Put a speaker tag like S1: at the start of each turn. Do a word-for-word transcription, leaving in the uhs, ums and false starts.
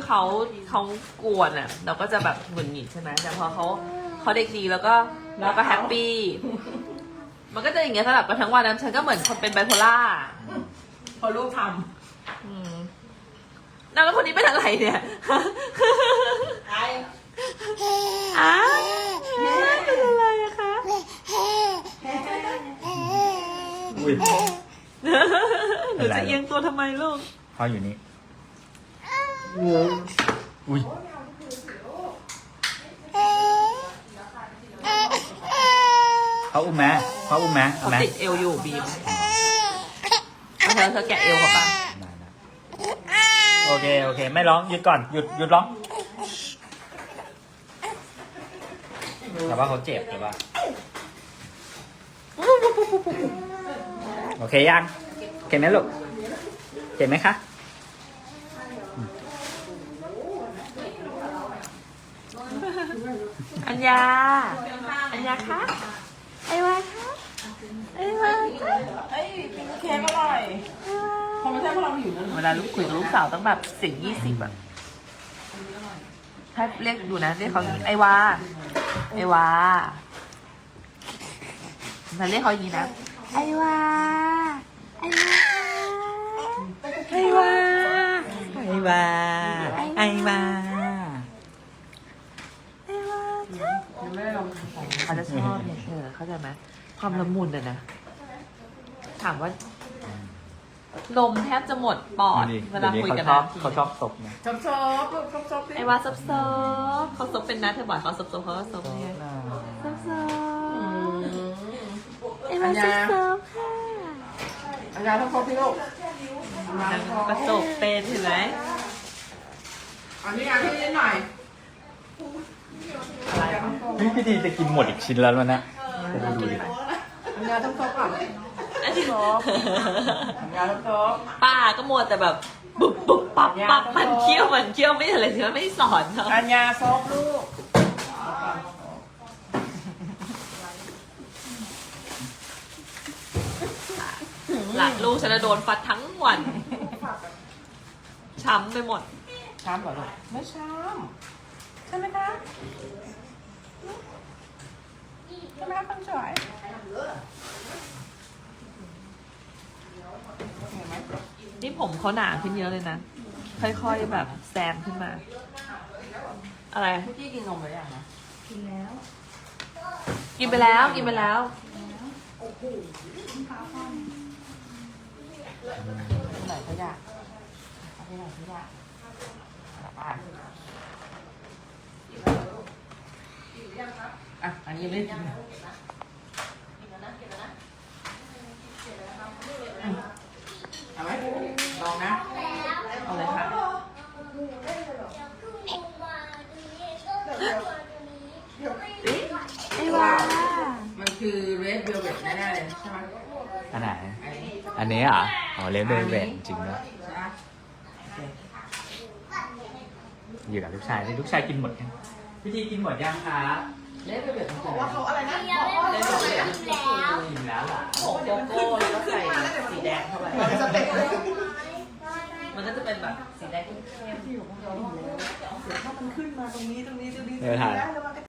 S1: เขาเขากวนอ่ะ เราก็จะแบบหงุดหงิดใช่ไหมแต่พอเขาเขาเด็กดีแล้วก็เราก็แฮปปี้มันก็จะอย่างเงี้ยสลับกันทั้งวันนะฉันก็เหมือนคนเป็นไบโพล่า
S2: พอลูกท
S1: อืมแล้วคนนี้เป็นอะไรเนี่ย
S2: ำไอ้
S1: อ้าวเป็นอะไรอะคะ
S3: อุ้ย
S1: หนูจะเอียงตัวทำไมลูก
S3: พ่ออยู่นี่อุ้ยเขาอุ้มไหมเขาอุ้มไหมเอา
S1: เขา
S3: ไหม
S1: ติดเอวอยู่บีมเอาเธอเธอแกะเอวเขาปะ
S3: ได้ได้โอเคโอเค ไม่ร้องหยุดก่อนหยุดหยุดร้องแต่ว่าเขาเจ็บหรือว่าโอเคยังโอเคไหมลูกเจ็บไหมคะ
S1: อัญญา อัญญาคะไอวาคะไอวาคะ
S2: เฮ้ยเป็นเค้กอร่อยคงไม่ใช่เพราะเราหิวนะ
S1: เวลาลูกคุยกับลูกสาวต้องแบบเสียงยี่สิบอะถ้าเรียกดูนะเรียกเขาอย่างนี้ไอวา ไอวาเราเรียกเขาอย่างนี้นะ ไอวา ไอวา ไอวา
S3: ไอวาไอวา
S1: ไอวา
S2: ยังไม่ได้ลองทำ
S1: เขาจะชอบเนี่ยเธอเข้าใจไหมความละมุนอะนะ ถามว่า ลมแทบจะหมดปอด เวลาคุยกัน
S3: เขาชอบ
S1: นะ
S3: เขาชอบศพนะ
S2: ชอบชอบลูกชอบชอบ
S1: ไอวาซับซ้อบเขาซบเป็นนะเธอบอกเขาซับซ้อบเขาก็ซบเนี่ยซับซ้อบไอวาซับซ้อบค่ะ
S2: อันยาต้องชอบพี่ลูก
S1: นางกระจกเป็นเห็นไหม
S2: อันนี้งานที่นิดหน่อย
S1: อะไรวะ
S3: พี่พี่ดีจะกินหมดอีกชิ้นแล้วแล้วนะจะดูดิ
S2: อันยาต้องชอบก่อน
S1: อันนี้
S2: อันยาต้องชอบ
S1: ป้าก็มัวแต่แบบปุ๊บปุ๊บปับปับมันเคี้ยวมันเคี้ยวไม่อะไรเธอไม่สอนเขา
S2: อันยาซอบลูก
S1: หลานลูกฉันจะโดนฟัดทั้งวัน ช้ำไปหมด
S2: ช้ำเหรอลูกไม่ช้ำใช่ไหมคะใช่ไหมคะคนสวยเห็นไหม
S1: นี่ผมเขาหนาขึ้นเยอะเลยนะ ค่อยๆแบบแซมขึ้นมา อะไร
S2: เมื่อกี้กินนมไปยังนะ
S1: กินไปแล้ว กินไปแล้ว
S2: ไหนก็อยากเอาไปไหนก็อยากอ่ะอ่ะอันนี้ยังไม่ได้กินอืมเอาไหมลองนะ
S1: เอาเลยค่ะ
S2: ไอ้ว่ามันคือ red velvet แน่ๆเลยใช่ไหม
S3: อันไหน
S2: อันนี้
S3: อันนี้เหรออ๋อเลเวลเวทจริงด้วย
S2: ใช่ไหมโอเค
S3: อยู่กับลูกชายนี่ลูกชายกินหมดยังพี่ทีกินหมดยังคะ
S2: red velvet มันคืออะไร
S4: เขาอะไรนะ
S2: red velvet อะ
S3: กินแล้วล่ะ
S1: ผงโกโก้แล้วก็ใส่สีแดงเข้าไป
S4: สเต็ปเลย
S1: มันก็จะเป็นแบบสีแดงเข้ม
S2: ถ้ามันขึ้นมาตรงนี้ตรงนี้ตรงนี้
S3: เดี๋ยวถ่าย
S2: แล้ว